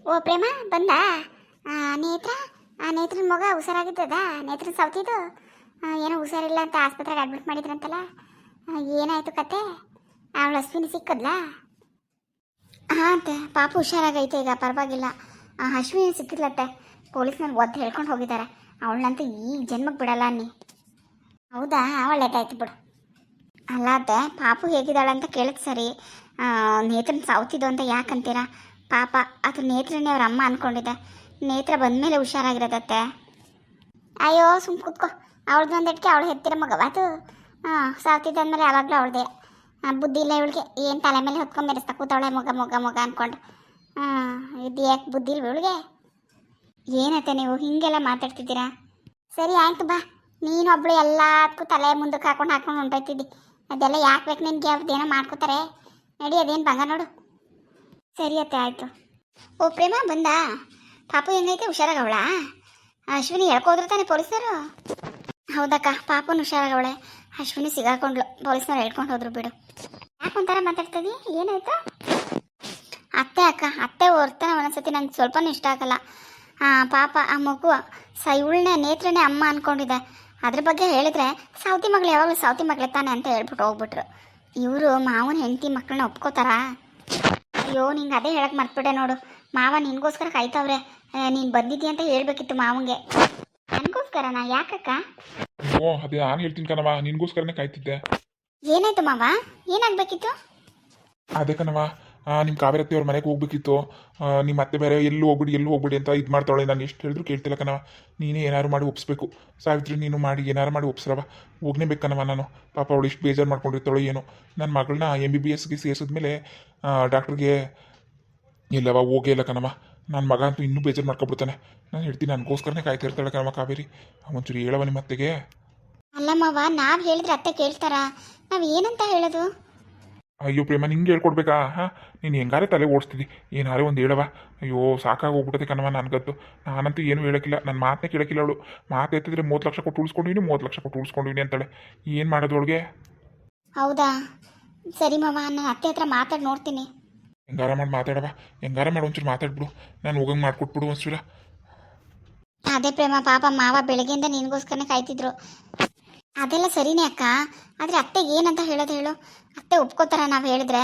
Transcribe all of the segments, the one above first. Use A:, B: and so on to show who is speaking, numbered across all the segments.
A: ಓ ಪ್ರೇಮ ಬಂದ. ಆ, ನೇತ್ರ ನೇತ್ರನ ಮಗ ಹುಷಾರಾಗಿದ್ದದ. ನೇತ್ರನ ಸೌತಿದ್ದು ಏನೋ ಹುಷಾರಿಲ್ಲ ಅಂತ ಆಸ್ಪತ್ರೆಗೆ ಅಡ್ಮಿಟ್ ಮಾಡಿದ್ರಂತಲ್ಲ. ಏನಾಯ್ತು ಕತೆ? ಅವಳು ಅಶ್ವಿನಿ ಸಿಕ್ಕದ್ಲಾ? ಹಾಂ ಅಂತೆ, ಪಾಪ ಹುಷಾರಾಗೈತೆ ಈಗ, ಪರವಾಗಿಲ್ಲ. ಅಶ್ವಿನಿ ಸಿಕ್ಕಿದ್ಲತ್ತೆ. ಪೊಲೀಸ್ನವ್ರು ಒದ್ದು ಹೇಳ್ಕೊಂಡು ಹೋಗಿದ್ದಾರೆ. ಅವಳನ್ನಂತೂ ಈಗ ಜನ್ಮಕ್ಕೆ ಬಿಡಲ್ಲ ಅನ್ನಿ. ಹೌದಾ, ಒಳ್ಳೇದಾಯ್ತು ಬಿಡು. ಅಲ್ಲ ಅತ್ತೆ, ಪಾಪು ಹೇಗಿದ್ದಾಳೆ ಅಂತ ಕೇಳಿದ್ ಸರಿ. ನೇತ್ರನ ಸಾವ್ತಿದ್ದು ಅಂತ ಯಾಕಂತೀರಾ? ಪಾಪ ಅದು ನೇತ್ರನೇ ಅವ್ರ ಅಮ್ಮ ಅಂದ್ಕೊಂಡಿದ್ದೆ. ನೇತ್ರ ಬಂದಮೇಲೆ ಹುಷಾರಾಗಿರೋದತ್ತೆ. ಅಯ್ಯೋ ಸುಮ್ ಕೂತ್ಕೋ. ಅವಳದ್ದು ಒಂದಿಟ್ಕೆ ಅವಳು ಹೆತ್ತಿರ ಮಗವ ಅದು. ಸಾವ್ತಿದ್ದಂದ್ಮೇಲೆ ಯಾವಾಗಲೂ ಅವಳದೇ. ಬುದ್ಧಿ ಇಲ್ಲ ಇವಳಿಗೆ. ಏನು ತಲೆ ಮೇಲೆ ಹೊತ್ಕೊಂಡು ಮೆರೆಸ್ತಾ ಕೂತವಳೆ ಮಗ ಮಗ ಮಗ ಅಂದ್ಕೊಂಡು. ಇದು ಯಾಕೆ ಬುದ್ಧಿ ಇಲ್ವ ಇವಳಿಗೆ? ಏನತ್ತೆ ನೀವು ಹೀಗೆಲ್ಲ ಮಾತಾಡ್ತಿದ್ದೀರಾ? ಸರಿ ಆಯ್ತು ಬಾ. ನೀನೊಬ್ಳು ಎಲ್ಲದಕ್ಕೂ ತಲೆ ಮುಂದಕ್ಕೆ ಹಾಕೊಂಡು ಹೊಂಟೋಯ್ತಿದ್ದಿ. ಅದೆಲ್ಲ ಯಾಕೆ ಬೇಕು ನಿನಗೆ? ಅವ್ರದ್ದೇನೋ ಮಾಡ್ಕೋತಾರೆ. ನಡಿ, ಅದೇನು ಬಂಗ ನೋಡು. ಸರಿ ಅತ್ತೆ, ಆಯಿತು. ಓ ಪ್ರೇಮ ಬಂದ. ಪಾಪು ಹೆಂಗೈತೆ? ಹುಷಾರಾಗವಳ? ಅಶ್ವಿನಿ ಹೇಳ್ಕೋದ್ರು ತಾನೆ ಪೊಲೀಸರು? ಹೌದಕ್ಕ, ಪಾಪುನ ಹುಷಾರಾಗವಳೆ. ಅಶ್ವಿನಿ ಸಿಗಾಕೊಂಡ್ಲು, ಪೊಲೀಸ್ನವ್ರು ಹೇಳ್ಕೊಂಡು ಹೋದ್ರು ಬಿಡು. ಯಾಕೆ ಒಂಥರ ಮಾತಾಡ್ತಿದ್ದಿ? ಏನಾಯ್ತು? ಅತ್ತೆ ಅಕ್ಕ, ಅತ್ತೆ ಹೊರ್ತಾನೆ ಒಂದೊಂದ್ಸತಿ ನಂಗೆ ಸ್ವಲ್ಪನೂ ಇಷ್ಟ ಆಗಲ್ಲ. ಪಾಪ ಆ ಮಗು ಇವಳನ್ನೇ ನೇತ್ರನೇ ಅಮ್ಮ ಅಂದ್ಕೊಂಡಿದ್ದೆ. ಅದ್ರ ಬಗ್ಗೆ ಹೇಳಿದ್ರೆ ಸೌತಿ ಮಗಳು ಯಾವಾಗಲೂ ಸೌತಿ ಮಗಳೇ ತಾನೆ ಅಂತ ಹೇಳ್ಬಿಟ್ಟು ಹೋಗ್ಬಿಟ್ರು. ಇವರು ಮಾವನ ಹೆಂಡತಿ ಮಕ್ಕಳನ್ನ ಒಪ್ಕೋತಾರಾ? ಅಯ್ಯೋ, ನಿಂಗೆ ಅದೇ ಹೇಳಕ್ಕೆ ಮರ್ತ್ಬಿಟ್ಟೆ ನೋಡು. ಮಾವ ನಿನಗೋಸ್ಕರ ಕಾಯ್ತವ್ರೆ. ನೀನು ಬಂದಿದ್ದೀಯ ಅಂತ ಹೇಳ್ಬೇಕಿತ್ತು ಮಾವಂಗೆ. ನನಗೋಸ್ಕರನಾ? ಯಾಕಕ್ಕ?
B: ಓ, ಅದೇ ನಾನು ಹೇಳ್ತೀನಿ ಕಣವ, ನಿನ್ಗೋಸ್ಕರನೇ ಕಾಯ್ತಿದ್ದೆ.
A: ಏನಾಯ್ತು ಮಾವ? ಏನಾಗಬೇಕಿತ್ತು?
B: ಅದೇ ಕಣವ, ನಿಮ್ಮ ಕಾವೇರತ್ತಿ ಅವ್ರ ಮನೆಗೆ ಹೋಗ್ಬೇಕಿತ್ತು. ನಿಮ್ಮ ಅತ್ತೆ ಬೇರೆ ಎಲ್ಲೂ ಹೋಗ್ಬಿಡಿ ಅಂತ ಇದು ಮಾಡ್ತಾಳೆ. ನಾನು ಎಷ್ಟು ಹೇಳಿದ್ರು ಕೇಳ್ತಿಲ್ಲ ಕಣವ. ನೀನೇ ಏನಾರು ಮಾಡಿ ಒಪ್ಪಿಸ್ಬೇಕು. ಸಾವಿತ್ರಿ, ನೀನು ಮಾಡಿ ಏನಾರು ಮಾಡಿ ಒಪ್ಸ್ರವ. ಹೋಗ್ನೇಬೇಕು ಕಣವ ನಾನು. ಪಾಪ ಅವಳು ಇಷ್ಟು ಬೇಜಾರು ಮಾಡ್ಕೊಂಡಿರ್ತಾಳೋ ಏನೋ. ನನ್ನ ಮಗಳನ್ನ MBBSಗೆ ಸೇರಿಸಿದ್ಮೇಲೆ ಡಾಕ್ಟ್ರಿಗೆ ಇಲ್ಲವ ಹೋಗೇ ಇಲ್ಲ ಕಣವ. ನನ್ನ ಮಗ ಅಂತೂ ಇನ್ನೂ ಬೇಜಾರು ಮಾಡ್ಕೊಬಿಡ್ತಾನೆ. ನಾನು ಹೇಳ್ತೀನಿ, ನನಗೋಸ್ಕರನೇ ಕಾಯ್ತಾ ಇರ್ತಾಳೆ ಕಣವ ಕಾವೇರಿ. ಒಂಚೂರು ಹೇಳವ ನಿಮ್ಮ ಅತ್ತೆಗೆ.
A: ಅಲ್ಲ ಮಾವ, ನಾವು ಹೇಳಿದ್ರೆ ಅತ್ತೆ ಕೇಳ್ತಾರಾ? ನಾವು ಏನಂತ ಹೇಳೋದು?
B: ಅಯ್ಯೋ ಪ್ರೇಮ, ನಿಂಗೆ ಹೇಳ್ಕೊಡ್ಬೇಕಾ? ನೀನು ಹೆಂಗಾರೆ ತಲೆ ಓಡಿಸ್ತಿದ್ದಿ. ಏನಾರೇ ಒಂದು ಹೇಳವ. ಅಯ್ಯೋ ಸಾಕಾಗಿ ಹೋಗ್ಬಿಟ್ಟದೆ ಕಣವ ನನಗಂತೂ. ನಾನಂತೂ ಏನೂ ಹೇಳೋಕ್ಕಿಲ್ಲ. ನನ್ನ ಮಾತನ್ನೇ ಕೇಳೋಕ್ಕಿಲ್ಲ ಅವಳು. ಮಾತು ಎತ್ತಿದ್ರೆ 30 ಲಕ್ಷ ಕೊಟ್ಟು ಉಳಿಸ್ಕೊಂಡಿನಿ, 30 ಲಕ್ಷ ಕೊಟ್ಟು ಉಳಿಸ್ಕೊಂಡಿನಿ ಅಂತಾಳೆ. ಏನು ಮಾಡೋದು ಅವಳಿಗೆ?
A: ಹೌದಾ, ಸರಿ ಮಾವ, ನಾನು ಅತ್ತೆ ಹತ್ರ ಮಾತಾಡಿ ನೋಡ್ತೀನಿ.
B: ಹೆಂಗಾರ ಮಾಡಿ ಮಾತಾಡವ. ಹೆಂಗಾರ ಮಾಡಿ ಒಂಚೂರು ಮಾತಾಡ್ಬಿಡು. ನಾನು ಹೋಗಂಗೆ ಮಾಡಿಕೊಟ್ಬಿಡು ಒಂಚೂರ.
A: ಅದೇ ಪ್ರೇಮ, ಪಾಪ ಮಾವ ಬೆಳಗ್ಗೆಯಿಂದ ನಿನಗೋಸ್ಕರನೇ ಕಾಯ್ತಿದ್ರು. ಅದೆಲ್ಲ ಸರಿನೇ ಅಕ್ಕ, ಆದರೆ ಅತ್ತೆಗೆ ಏನಂತ ಹೇಳೋದು ಹೇಳು? ಅತ್ತೆ ಒಪ್ಕೋತಾರ ನಾವು ಹೇಳಿದ್ರೆ?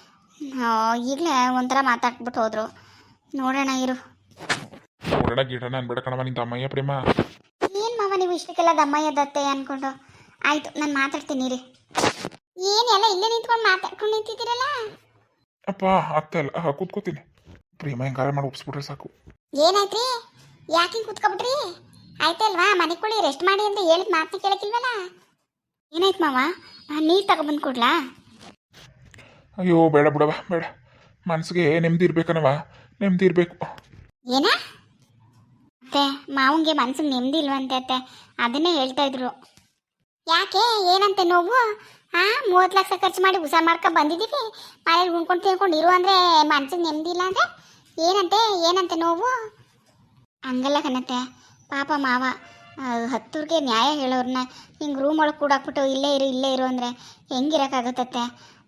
A: ಈಗಲೇ ಒಂಥರ ಮಾತಾಡ್ಬಿಟ್ಟು ಹೋದ್ರು. ನೋಡೋಣ ಇರು.
B: ನೋಡೋಣ ಗಿಡಣ ಅನ್ಬೇಡ ಕಣವ, ನಿಂತ ಅಮ್ಮಯ್ಯ ಪ್ರೇಮ.
A: ಏನು ಮಾವ ನೀವು ಇಷ್ಟಕ್ಕೆಲ್ಲ ದಮ್ಮಯ್ಯದತ್ತೆ ಅಂದ್ಕೊಂಡು? ಆಯಿತು, ನಾನು ಮಾತಾಡ್ತೀನಿ ರೀ. ಏನೆಲ್ಲ ಇಲ್ಲೇ ನಿಂತ್ಕೊಂಡು ಮಾತಾಡ್ಕೊಂಡು ನಿಂತಿದ್ದೀರಲ್ಲ?
B: ಅಪ್ಪ ಅಲ್ಲ, ಕೂತ್ಕೋತೀನಿ. ಪ್ರೇಮ ಹೆಂಗಾರ ಮಾಡಿ ಒಪ್ಸ್ಬಿಟ್ರೆ ಸಾಕು.
A: ಏನಾಯ್ತ್ರಿ? ಯಾಕೆ ಕೂತ್ಕೊಬಿಟ್ರಿ? ಆಯ್ತಲ್ವಾ, ಮನೆಗೆ ಕೊಡಿ, ರೆಸ್ಟ್ ಮಾಡಿ ಅಂತ ಹೇಳಿದ ಮಾತನ್ನ ಕೇಳಕ್ಕಿಲ್ವಲ್ಲ? ಏನಾಯ್ತು ಮಾವ? ನೀರು ತಗೊಬಂದು ಕೊಡ್ಲಾ?
B: ಅಯ್ಯೋ ಬೇಡ ಬಿಡವ, ಬೇಡ. ಮನಸ್ಸಿಗೆ ನೆಮ್ಮದಿ ಇರ್ಬೇಕನವ, ನೆಮ್ಮದಿ ಇರಬೇಕು.
A: ಏನ ಅತ್ತೆ, ಮಾವಂಗೆ ಮನ್ಸಿಗೆ ನೆಮ್ಮದಿ ಇಲ್ವಂತೆ ಅತ್ತೆ, ಅದನ್ನೇ ಹೇಳ್ತಾ ಇದ್ರು. ಯಾಕೆ, ಏನಂತೆ ನೋವು? 30 ಲಕ್ಷ ಖರ್ಚು ಮಾಡಿ ಉಸ ಮಾಡ್ಕೊಂಡು ಬಂದಿದ್ದೀವಿ, ಮನೇಲಿ ಉಣ್ಕೊಂಡು ತಿನ್ಕೊಂಡು ಇರು ಅಂದರೆ ಮನ್ಸಿಗೆ ನೆಮ್ಮದಿ ಇಲ್ಲ ಅಂದರೆ ಏನಂತೆ ನೋವು? ಹಂಗಲ್ಲ ಕಣತ್ತೆ, ಪಾಪ ಮಾವ ಹತ್ತೂರಿಗೆ ನ್ಯಾಯ ಹೇಳೋರನ್ನ ಹಿಂಗೆ ರೂಮ್ ಒಳಗೆ ಕೂಡಾಕ್ಬಿಟ್ಟು ಇಲ್ಲೇ ಇರು ಅಂದರೆ ಹೆಂಗಿರೋಕ್ಕಾಗುತ್ತತ್ತೆ?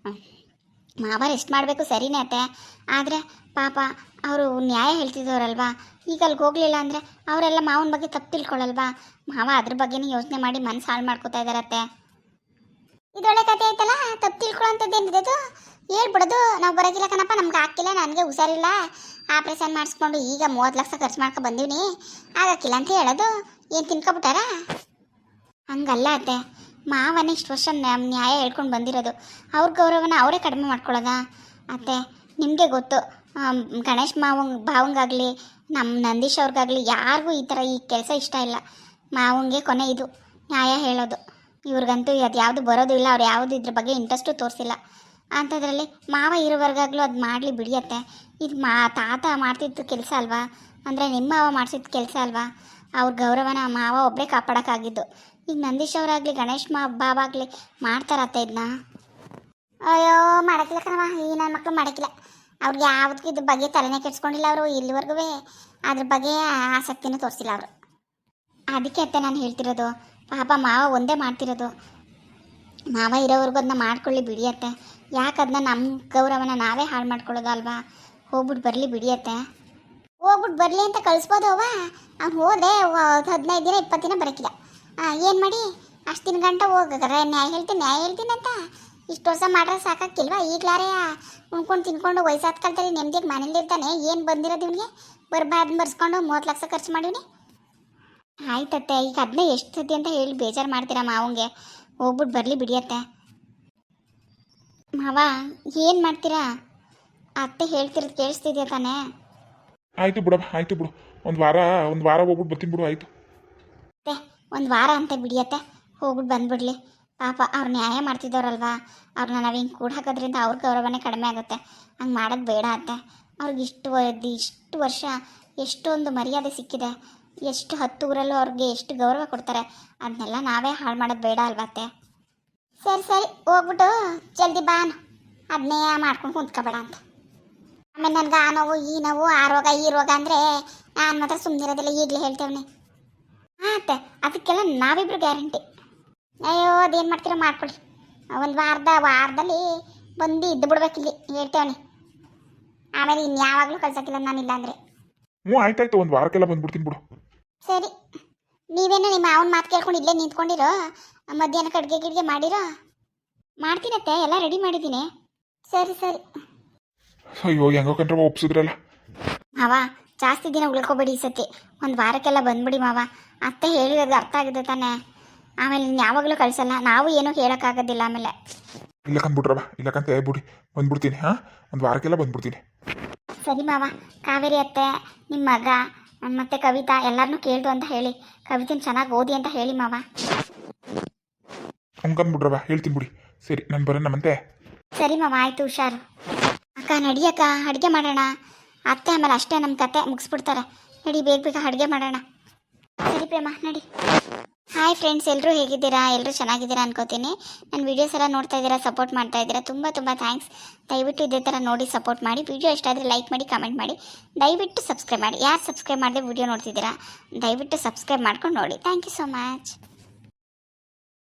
A: ಮಾವ ರೆಸ್ಟ್ ಮಾಡಬೇಕು ಸರಿನೇ ಅತ್ತೆ, ಆದರೆ ಪಾಪ ಅವರು ನ್ಯಾಯ ಹೇಳ್ತಿದ್ದವರಲ್ವಾ. ಈಗ ಅಲ್ಲಿಗೆ ಹೋಗಲಿಲ್ಲ ಅಂದರೆ ಅವರೆಲ್ಲ ಮಾವನ ಬಗ್ಗೆ ತಪ್ಪು ತಿಳ್ಕೊಳ್ಳಲ್ವಾ? ಮಾವ ಅದ್ರ ಬಗ್ಗೆನೇ ಯೋಚನೆ ಮಾಡಿ ಮನಸ್ಸು ಹಾಳು ಮಾಡ್ಕೋತಾ ಇದ್ದಾರತ್ತೆ. ಇದೊಳ್ಳೆ ಕತೆ ಆಯ್ತಲ್ಲ, ತಪ್ಪು ತಿಳ್ಕೊಳ್ಳೋಂಥದ್ದೇನಿದೆ ಅದು? ಹೇಳ್ಬಿಡೋದು, ನಾವು ಬರೋಗಿಲ್ಲ ಕಣಪ್ಪ, ನಮ್ಗೆ ಹಾಕಿಲ್ಲ, ನನಗೆ ಹುಷಾರಿಲ್ಲ, ಆಪ್ರೇಷನ್ ಮಾಡಿಸ್ಕೊಂಡು ಈಗ 30 ಲಕ್ಷ ಖರ್ಚು ಮಾಡ್ಕೊ ಬಂದೀವಿ, ಆಗಕ್ಕಿಲ್ಲ ಅಂತ ಹೇಳೋದು. ಏನು ತಿನ್ಕೊಬಿಟ್ಟಾರ? ಹಂಗಲ್ಲ ಅತ್ತೆ, ಮಾವನೇ ಇಷ್ಟು ವರ್ಷ ನ್ಯಾಯ ಹೇಳ್ಕೊಂಡು ಬಂದಿರೋದು, ಅವ್ರ ಗೌರವನ ಅವರೇ ಕಡಿಮೆ ಮಾಡ್ಕೊಳ್ಳೋದಾ ಅತ್ತೆ? ನಿಮಗೆ ಗೊತ್ತು, ಗಣೇಶ್ ಭಾವಂಗಾಗಲಿ ನಮ್ಮ ನಂದೀಶ್ ಅವ್ರಿಗಾಗಲಿ ಯಾರಿಗೂ ಈ ಕೆಲಸ ಇಷ್ಟ ಇಲ್ಲ. ಮಾವಂಗೆ ಕೊನೆ ಇದು ನ್ಯಾಯ ಹೇಳೋದು. ಇವ್ರಿಗಂತೂ ಅದು ಯಾವುದು ಬರೋದು ಇಲ್ಲ, ಅವ್ರು ಯಾವುದು ಇದ್ರ ಬಗ್ಗೆ ಇಂಟ್ರೆಸ್ಟು ತೋರಿಸಿಲ್ಲ. ಅಂಥದ್ರಲ್ಲಿ ಮಾವ ಇರೋವರೆಗಾಗಲೂ ಅದು ಮಾಡಲಿ ಬಿಡಿಯತ್ತೆ. ಇದು ತಾತ ಮಾಡ್ತಿದ್ದು ಕೆಲಸ ಅಲ್ವಾ? ಅಂದರೆ ನಿಮ್ಮ ಮಾವ ಮಾಡಿಸಿದ ಕೆಲಸ ಅಲ್ವಾ? ಅವ್ರ ಗೌರವನ ಮಾವ ಒಬ್ಬರೇ ಕಾಪಾಡೋಕ್ಕಾಗಿದ್ದು. ಈಗ ನಂದೀಶ್ ಅವರಾಗಲಿ ಗಣೇಶ್ ಬಾವ ಆಗಲಿ ಮಾಡ್ತಾರತ್ತೆ ಇದನ್ನ? ಅಯ್ಯೋ ಮಾಡೋಕ್ಕಿಲ್ಲ ಕಣವ, ಈ ನನ್ನ ಮಕ್ಕಳು ಮಾಡೋಕ್ಕಿಲ್ಲ. ಅವ್ರಿಗೆ ಯಾವುದಕ್ಕೂ ಇದ್ರ ಬಗ್ಗೆ ತಲೆನೇ ಕೆಡ್ಸ್ಕೊಂಡಿಲ್ಲ ಅವರು ಇಲ್ಲಿವರೆಗೂ. ಅದ್ರ ಬಗ್ಗೆ ಆಸಕ್ತಿನೂ ತೋರಿಸಿಲ್ಲ ಅವರು. ಅದಕ್ಕೆ ಅತ್ತೆ ನಾನು ಹೇಳ್ತಿರೋದು, ಪಾಪ ಮಾವ ಒಂದೇ ಮಾಡ್ತಿರೋದು. ಮಾವ ಇರೋವರೆಗೂ ಅದನ್ನ ಮಾಡ್ಕೊಳ್ಳಿ ಬಿಡಿಯತ್ತೆ. ಯಾಕೆ ಅದನ್ನ ನಮ್ಮ ಗೌರವನ ನಾವೇ ಹಾಳು ಮಾಡ್ಕೊಳ್ಳೋದು ಅಲ್ವಾ? ಹೋಗ್ಬಿಟ್ಟು ಬರಲಿ ಬಿಡಿಯತ್ತೆ. ಹೋಗ್ಬಿಟ್ಟು ಬರಲಿ ಅಂತ ಕಳಿಸ್ಬೋದು ಅವ್ವ. ಅವ್ನು ಹೋದೆ 15 ದಿನ 20 ದಿನ ಬರೋಕ್ಕಿಲ್ಲ. ಏನು ಮಾಡಿ ಅಷ್ಟು ದಿನ ಗಂಟ ಹೋಗಿದ್ರೆ ನ್ಯಾಯ ಹೇಳ್ತೀನಿ ಅಂತ ಇಷ್ಟು ವರ್ಷ ಮಾಡ್ರೆ ಸಾಕಾಕಿಲ್ವಾ? ಈಗಲಾರೇ ಉಣ್ಕೊಂಡು ತಿನ್ಕೊಂಡು ವಯಸ್ಸಾದ ಕಾಲದಲ್ಲಿ ನೆಮ್ಮದಿಯಾಗಿ ಮನೇಲಿರ್ತಾನೆ. ಏನು ಬಂದಿರೋದು ಇವನಿಗೆ? ಬರ್ಸ್ಕೊಂಡು 30 ಲಕ್ಷ ಖರ್ಚು ಮಾಡಿವ್ನಿ. ಆಯ್ತತ್ತೆ, ಈಗ ಅದನ್ನೇ ಎಷ್ಟು ಸತಿ ಅಂತ ಹೇಳಿ ಬೇಜಾರು ಮಾಡ್ತೀರಾ ಮಾವಂಗೆ? ಹೋಗ್ಬಿಟ್ಟು ಬರಲಿ ಬಿಡಿಯತ್ತೆ. ಮಾವ ಏನು ಮಾಡ್ತೀರಾ? ಅತ್ತೆ ಹೇಳ್ತಿರೋದು ಕೇಳಿಸ್ತಿದ್ಯಾ ತಾನೇ?
B: ಆಯಿತು ಬಿಡಮ್ಮ, ಆಯಿತು ಬಿಡು. ಒಂದು ವಾರ ಹೋಗ್ಬಿಟ್ಟು ಬರ್ತೀನಿ ಬಿಡು. ಆಯಿತು
A: ಅತ್ತೆ, ಒಂದು ವಾರ ಅಂತ ಬಿಡಿಯತ್ತೆ, ಹೋಗ್ಬಿಟ್ಟು ಬಂದ್ಬಿಡ್ಲಿ. ಪಾಪ ಅವ್ರು ನ್ಯಾಯ ಮಾಡ್ತಿದ್ದವ್ರಲ್ವಾ, ಅವ್ರನ್ನ ನಾವು ಹಿಂಗೆ ಕೂಡ ಹಾಕೋದ್ರಿಂದ ಅವ್ರ ಗೌರವನೇ ಕಡಿಮೆ ಆಗುತ್ತೆ. ಹಂಗೆ ಮಾಡೋದು ಬೇಡ ಅತ್ತೆ. ಅವ್ರಿಗೆ ಇಷ್ಟು ವರ್ಷ ಎಷ್ಟೊಂದು ಮರ್ಯಾದೆ ಸಿಕ್ಕಿದೆ. ಎಷ್ಟು 10 ಊರಲ್ಲೂ ಅವ್ರಿಗೆ ಎಷ್ಟು ಗೌರವ ಕೊಡ್ತಾರೆ. ಅದನ್ನೆಲ್ಲ ನಾವೇ ಹಾಳು ಮಾಡೋದು ಬೇಡ ಅಲ್ವಾ ಅತ್ತೆ? ಸರಿ ಹೋಗ್ಬಿಟ್ಟು ಜಲ್ದಿ ಬಾನು, ಅದನ್ನೇ ಮಾಡ್ಕೊಂಡು ಕುಂತ್ಕೋಬೇಡ ಅಂತ. ಆಮೇಲೆ ನನಗೆ ಆ ನೋವು ಈ ನೋವು ಆ ರೋಗ ಈ ರೋಗ ಅಂದರೆ ನಾನು ಮಾತ್ರ ಸುಮ್ಮನಿರೋದಿಲ್ಲ, ಈಗಲೇ ಹೇಳ್ತೇವನಿ. ಹಾಂ ಅತ್ತೆ, ಅದಕ್ಕೆಲ್ಲ ನಾವಿಬ್ರು ಗ್ಯಾರಂಟಿ. ಅಯ್ಯೋ ಅದೇನು ಮಾಡ್ತೀರೋ ಮಾಡ್ಕೊಳ್ಳಿ. ಒಂದು ವಾರದಲ್ಲಿ ಬಂದು ಇದ್ದು ಬಿಡ್ಬೇಕಿಲ್ಲಿ ಹೇಳ್ತೇವನಿ. ಆಮೇಲೆ ಇನ್ಯಾವಾಗಲೂ ಕಳ್ಸೋಕ್ಕಿಲ್ಲ ನಾನಿಲ್ಲ ಅಂದರೆ.
B: ಹ್ಞೂ ಆಯ್ತಾಯ್ತು, ಒಂದು ವಾರಕ್ಕೆಲ್ಲ ಬಂದ್ಬಿಡ್ತೀನಿ ಬಿಡು.
A: ಸರಿ, ನೀವೇನು ನಿಮ್ಮ ಅವನ ಮಾತು ಕೇಳ್ಕೊಂಡು ಇಲ್ಲೇ ನಿಂತ್ಕೊಂಡಿರೋ? ಮಧ್ಯಾಹ್ನಕ್ಕೆ ಅಡುಗೆ ಮಾಡಿರೋ? ಮಾಡ್ತೀನತ್ತೆ, ಎಲ್ಲ ರೆಡಿ ಮಾಡಿದ್ದೀನಿ. ಸರಿ.
B: ಅಯ್ಯೋ ಹೆಂಗೋ ಕಂಡ್ರವ ಒಪ್ಸಿದ್ರಲ್ಲ.
A: ಮಾವ ಜಾಸ್ತಿ ದಿನ ಉಳ್ಕೊಬೇಡಿ ಈ ಸತಿ, ಒಂದು ವಾರಕ್ಕೆಲ್ಲ ಬಂದ್ಬಿಡಿ ಮಾವ. ಅತ್ತೆ ಹೇಳಿರೋದು ಅರ್ಥ ಆಗಿದೆ ತಾನೇ? ಆಮೇಲೆ ಯಾವಾಗಲೂ ಕಳಿಸಲ್ಲ, ನಾವು ಏನೂ ಹೇಳೋಕ್ಕಾಗೋದಿಲ್ಲ ಆಮೇಲೆ.
B: ಇಲ್ಲಕಂದ್ಬಿಟ್ರವ, ಇಲ್ಲಕಂತ ಹೇಳ್ಬಿಡಿ ಬಂದ್ಬಿಡ್ತೀನಿ. ಹಾಂ, ಒಂದು ವಾರಕ್ಕೆಲ್ಲ ಬಂದ್ಬಿಡ್ತೀನಿ.
A: ಸರಿ ಮಾವ. ಕಾವೇರಿ ಅತ್ತೆ, ನಿಮ್ಮ ಮಗ ಮತ್ತು ಕವಿತಾ ಎಲ್ಲರನ್ನೂ ಕೇಳ್ದು ಅಂತ ಹೇಳಿ, ಕವಿತೆನ ಚೆನ್ನಾಗಿ ಓದಿ ಅಂತ ಹೇಳಿ ಮಾವ.
B: ಹಂಗಂದ್ಬಿಟ್ರವ, ಹೇಳ್ತೀನಿ ಬಿಡಿ. ಸರಿ, ನಾನು ಬರೋಣ ಮತ್ತೆ.
A: ಸರಿ ಮಾವ, ಆಯಿತು, ಹುಷಾರು. ಅಕ್ಕ ನಡಿಯಕ್ಕ, ಅಡುಗೆ ಮಾಡೋಣ. ಅತ್ತೆ ಆಮೇಲೆ ಅಷ್ಟೇ ನಮ್ಮ ಕತೆ ಮುಗಿಸ್ಬಿಡ್ತಾರೆ. ನಡಿ, ಬೇಗ ಅಡುಗೆ ಮಾಡೋಣ. ಸರಿ ಪ್ರೇಮ, ನಡಿ. ಹಾಯ್ ಫ್ರೆಂಡ್ಸ್, ಎಲ್ಲರೂ ಹೇಗಿದ್ದೀರಾ? ಎಲ್ಲರೂ ಚೆನ್ನಾಗಿದ್ದೀರಾ ಅನ್ಕೋತೀನಿ. ನನ್ನ ವೀಡಿಯೋಸ್ ಎಲ್ಲ ನೋಡ್ತಾ ಇದ್ದೀರಾ, ಸಪೋರ್ಟ್ ಮಾಡ್ತಾ ಇದ್ದೀರಾ, ತುಂಬ ಥ್ಯಾಂಕ್ಸ್. ದಯವಿಟ್ಟು ಇದೇ ಥರ ನೋಡಿ ಸಪೋರ್ಟ್ ಮಾಡಿ. ವಿಡಿಯೋ ಇಷ್ಟ ಆದರೆ ಲೈಕ್ ಮಾಡಿ, ಕಮೆಂಟ್ ಮಾಡಿ, ದಯವಿಟ್ಟು ಸಬ್ಸ್ಕ್ರೈಬ್ ಮಾಡಿ. ಯಾರು ಸಬ್ಸ್ಕ್ರೈಬ್ ಮಾಡದೆ ವಿಡಿಯೋ ನೋಡ್ತಿದ್ದೀರಾ, ದಯವಿಟ್ಟು ಸಬ್ಸ್ಕ್ರೈಬ್ ಮಾಡ್ಕೊಂಡು ನೋಡಿ. Thank you so much.